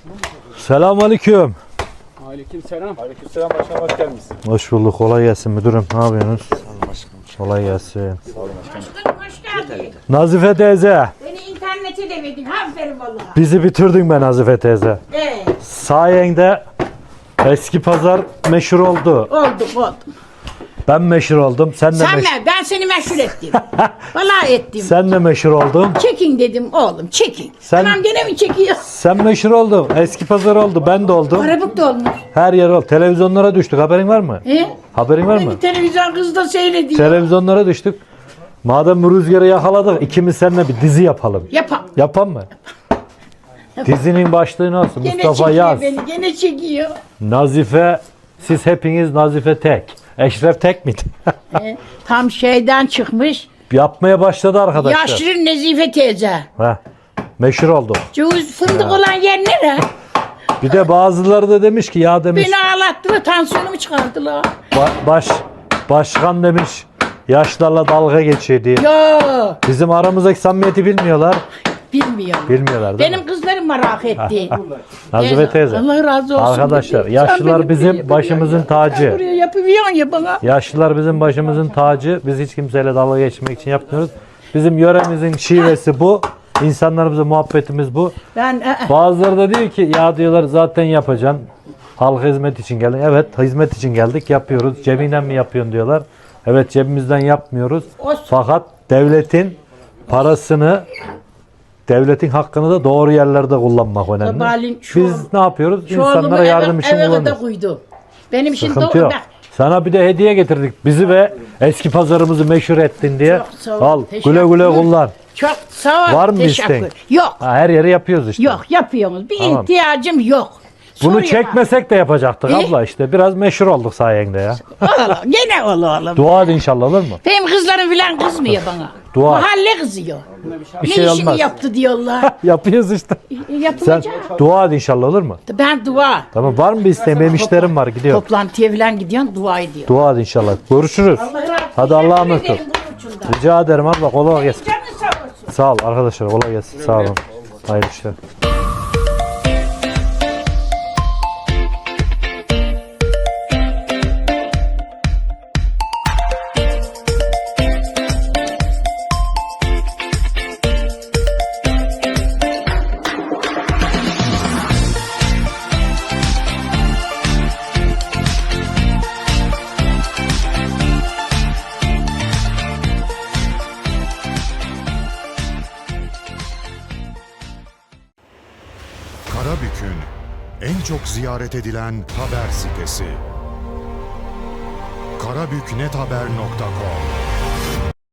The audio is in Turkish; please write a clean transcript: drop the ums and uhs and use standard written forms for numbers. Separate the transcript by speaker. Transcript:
Speaker 1: Selamünaleyküm.
Speaker 2: Aleykümselam. Aleykümselam başkanım, hoş geldiniz.
Speaker 1: Hoş bulduk. Kolay gelsin müdürüm. Ne yapıyorsunuz? Kolay gelsin.
Speaker 3: Başkanım hoş geldin.
Speaker 1: Nazife teyze.
Speaker 3: Beni internete de verdin. Aferin vallahi.
Speaker 1: Bizi bitirdin be Nazife teyze.
Speaker 3: Evet.
Speaker 1: Sayende eski pazar meşhur oldu.
Speaker 3: Oldu.
Speaker 1: Ben meşhur oldum. Sen de
Speaker 3: Sen
Speaker 1: meşhur.
Speaker 3: ne? Ben seni meşhur ettim. Vallahi ettim.
Speaker 1: Sen de meşhur oldun.
Speaker 3: Çekin dedim oğlum çekin.
Speaker 1: Sen-
Speaker 3: Anam gene mi çekiyor?
Speaker 1: Sen meşhur oldun. Eski pazar oldu. Ben de oldum.
Speaker 3: Arabuk da olmuş.
Speaker 1: Her yer oldu. Televizyonlara düştük. Haberin var mı? Haberin var mı?
Speaker 3: Beni televizyon kız da seyrediyor.
Speaker 1: Televizyonlara düştük. Madem bu rüzgarı yakaladık, ikimiz seninle bir dizi yapalım.
Speaker 3: Yapam.
Speaker 1: Yapan mı? Dizinin başlığı nasıl?
Speaker 3: Gene
Speaker 1: Mustafa
Speaker 3: çekiyor
Speaker 1: Yaz.
Speaker 3: beni. Gene çekiyor.
Speaker 1: Nazife, siz hepiniz Nazife tek. Eşref tek miydi?
Speaker 3: Tam şeyden çıkmış.
Speaker 1: Yapmaya başladı arkadaşlar.
Speaker 3: Yaşlı Nezife teyze.
Speaker 1: Heh, meşhur oldu.
Speaker 3: Cevuz fındık olan yer nere?
Speaker 1: Bir de bazıları da demiş ki ya demiş
Speaker 3: Beni ağlattılar. Tansiyonumu çıkardılar.
Speaker 1: başkan demiş yaşlarla dalga geçiyor diye.
Speaker 3: Yo.
Speaker 1: Bizim aramızdaki samimiyeti bilmiyorlar.
Speaker 3: Bilmiyorum.
Speaker 1: Bilmiyorlar değil mi?
Speaker 3: Benim kızlarım merak etti.
Speaker 1: Nazife teyze.
Speaker 3: Allah razı olsun.
Speaker 1: Arkadaşlar
Speaker 3: dedi.
Speaker 1: yaşlılar
Speaker 3: Sen beni
Speaker 1: bizim
Speaker 3: buraya
Speaker 1: başımızın
Speaker 3: yapıyorsun. Sen
Speaker 1: tacı.
Speaker 3: buraya yapıyorsun ya bana.
Speaker 1: Yaşlılar bizim başımızın tacı. Biz hiç kimseyle dalga geçmek için yapmıyoruz. Bizim yöremizin şivesi bu. İnsanlarımızla muhabbetimiz bu.
Speaker 3: Ben
Speaker 1: Bazıları da diyor ki ya diyorlar zaten yapacaksın. Halka hizmet için geldin. Evet hizmet için geldik yapıyoruz. Cebinden mi yapıyorsun diyorlar. Evet cebimizden yapmıyoruz.
Speaker 3: Olsun.
Speaker 1: Fakat devletin parasını devletin hakkını da doğru yerlerde kullanmak önemli.
Speaker 3: Sabahleyin şu
Speaker 1: Biz ne yapıyoruz?
Speaker 3: şu oğlumu
Speaker 1: İnsanlara yardım için
Speaker 3: eve kadar
Speaker 1: kullanıyoruz.
Speaker 3: koydu. Benim şimdi
Speaker 1: Sıkıntı yok. Sana bir de hediye getirdik. Bizi ve eski pazarımızı meşhur ettin diye.
Speaker 3: Çok sağ ol.
Speaker 1: Al
Speaker 3: Teşekkür
Speaker 1: güle güle
Speaker 3: ederim.
Speaker 1: kullan.
Speaker 3: Çok sağ ol.
Speaker 1: Var mı bir
Speaker 3: teşekkür.
Speaker 1: isteğin?
Speaker 3: Yok.
Speaker 1: Ha, her yeri yapıyoruz işte.
Speaker 3: Yok yapıyoruz. Bir
Speaker 1: Tamam.
Speaker 3: ihtiyacım yok.
Speaker 1: Bunu
Speaker 3: Soruyor
Speaker 1: çekmesek de yapacaktık abla işte. Biraz meşhur olduk sayende ya.
Speaker 3: bana. Oğlum, gene oğlum.
Speaker 1: Dua et inşallah olur mu?
Speaker 3: Benim kızlarım filan kızmıyor bana.
Speaker 1: Dua.
Speaker 3: Mahalle kızıyor.
Speaker 1: Bir
Speaker 3: Ne
Speaker 1: şey
Speaker 3: işini
Speaker 1: olmaz.
Speaker 3: yaptı diyorlar.
Speaker 1: Yapıyoruz işte. Sen
Speaker 3: Yapılacak.
Speaker 1: dua et inşallah olur mu?
Speaker 3: Ben dua.
Speaker 1: Tamam var mı bir isteğin? Benim işlerim var gidiyorum.
Speaker 3: Toplantıya falan gidiyorsun dua ediyor.
Speaker 1: Dua et inşallah. Görüşürüz. Hadi Allah'a emanet ol. Rica ederim abla kolay gelsin.
Speaker 3: Canın sağ olsun.
Speaker 1: Sağ ol arkadaşlar kolay gelsin. Sağ olun. Hayırlı işler.
Speaker 4: Karabük'ün en çok ziyaret edilen haber sitesi. karabüknethaber.com